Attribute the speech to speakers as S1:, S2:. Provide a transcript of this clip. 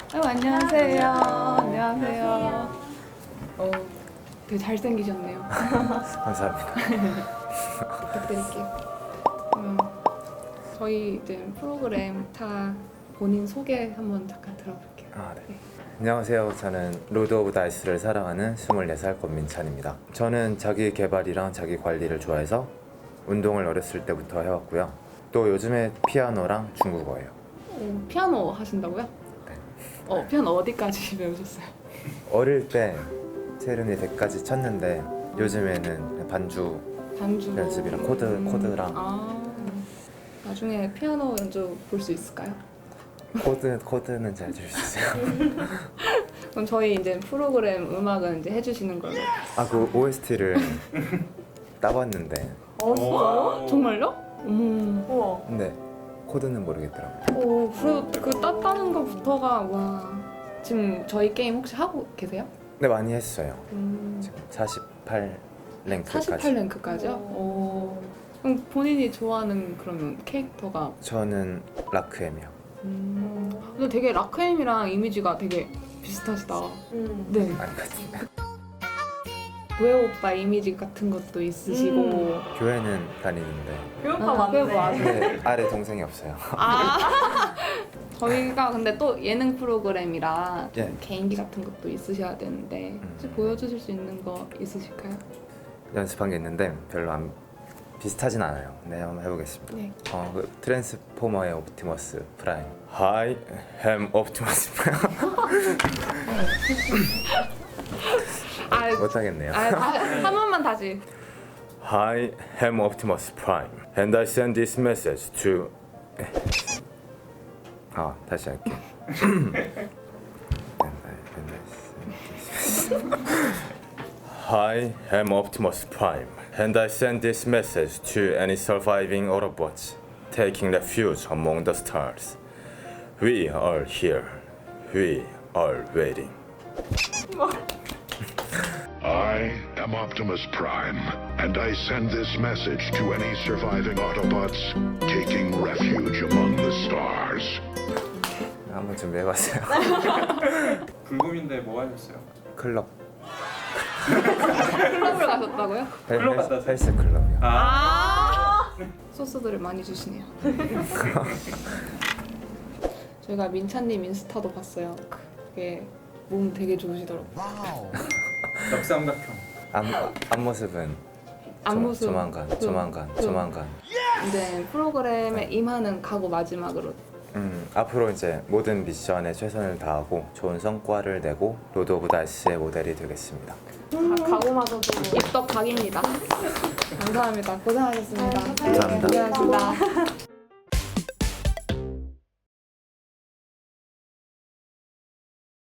S1: 안녕하세요. 안녕하세요. 되게 잘생기셨네요.
S2: 감사합니다.
S1: 부탁드릴게요. 저희 이제 프로그램 다 본인 소개 한번 잠깐 들어볼게요.
S2: 네. 안녕하세요. 저는 로드 오브 다이스를 사랑하는 24살 권민찬입니다. 저는 자기 개발이랑 자기 관리를 좋아해서 운동을 어렸을 때부터 해왔고요. 또 요즘에 피아노랑 중국어예요.
S1: 피아노 하신다고요?
S2: 네.
S1: 피아노 어디까지 배우셨어요?
S2: 어릴 때 체르니 100까지 쳤는데 요즘에는 반주 연습이랑 코드랑
S1: 나중에 피아노 연주 볼 수 있을까요?
S2: 코드는 잘 줄 수 있어요.
S1: 그럼 저희 이제 프로그램 음악은 이제 해주시는 걸로.
S2: 그 OST를 따봤는데
S1: 진짜요? 정말요?
S3: 우와.
S2: 근데 코드는 모르겠더라고요.
S1: 그래도 그 땄다는 것부터가 와. 지금 저희 게임 혹시 하고 계세요?
S2: 네, 많이 했어요. 지금 48랭크까지.
S1: 48랭크까지요? 그럼 본인이 좋아하는 그러면 캐릭터가?
S2: 저는 라크엠이요.
S1: 근데 되게 라크엠이랑 이미지가 되게 비슷하시다. 네.
S2: 아니 같은데.
S1: 도혜 오빠 이미지 같은 것도 있으시고.
S2: 교회는 다니는데
S3: 교육과 맞네.
S1: 맞네.
S2: 아래 동생이 없어요.
S1: 저희가 근데 또 예능 프로그램이라 좀
S2: 예.
S1: 개인기 같은 것도 있으셔야 되는데 혹시 보여주실 수 있는 거 있으실까요?
S2: 연습한 게 있는데 별로 안 비슷하진 않아요. 네, 한번 해보겠습니다.
S1: 네.
S2: 그 트랜스포머의 옵티머스 프라임. I am Optimus Prime. 못하겠네요.
S1: 한 번만 다시.
S2: I am Optimus Prime, and I send this message to. 다시 할게. I am Optimus Prime, and I send this message to any surviving Autobots taking refuge among the stars. We are here. We are waiting.
S4: I am Optimus Prime, and I send this message to any surviving Autobots taking refuge among the stars.
S2: 한번 준비해봤어요.
S5: 불금인데 뭐 하셨어요?
S2: 클럽.
S1: 클럽을 가셨다고요?
S5: 클럽 갔다 왔어요?
S2: 헬스 클럽이요.
S1: 소스들을 많이 주시네요. 저희가 민찬님 인스타도 봤어요. 그게 몸 되게 좋으시더라고요.
S5: 역삼각형.
S2: 앞모습은
S1: 앞모습.
S2: 조만간.
S1: 이제 프로그램에 임하는 각오 마지막으로.
S2: 앞으로 이제 모든 미션에 최선을 다하고 좋은 성과를 내고 로드 오브 다이스의 모델이 되겠습니다.
S3: 각오마저도
S1: 입덕 각입니다. 감사합니다. 고생하셨습니다.
S2: 감사합니다.
S1: 고생하셨습니다.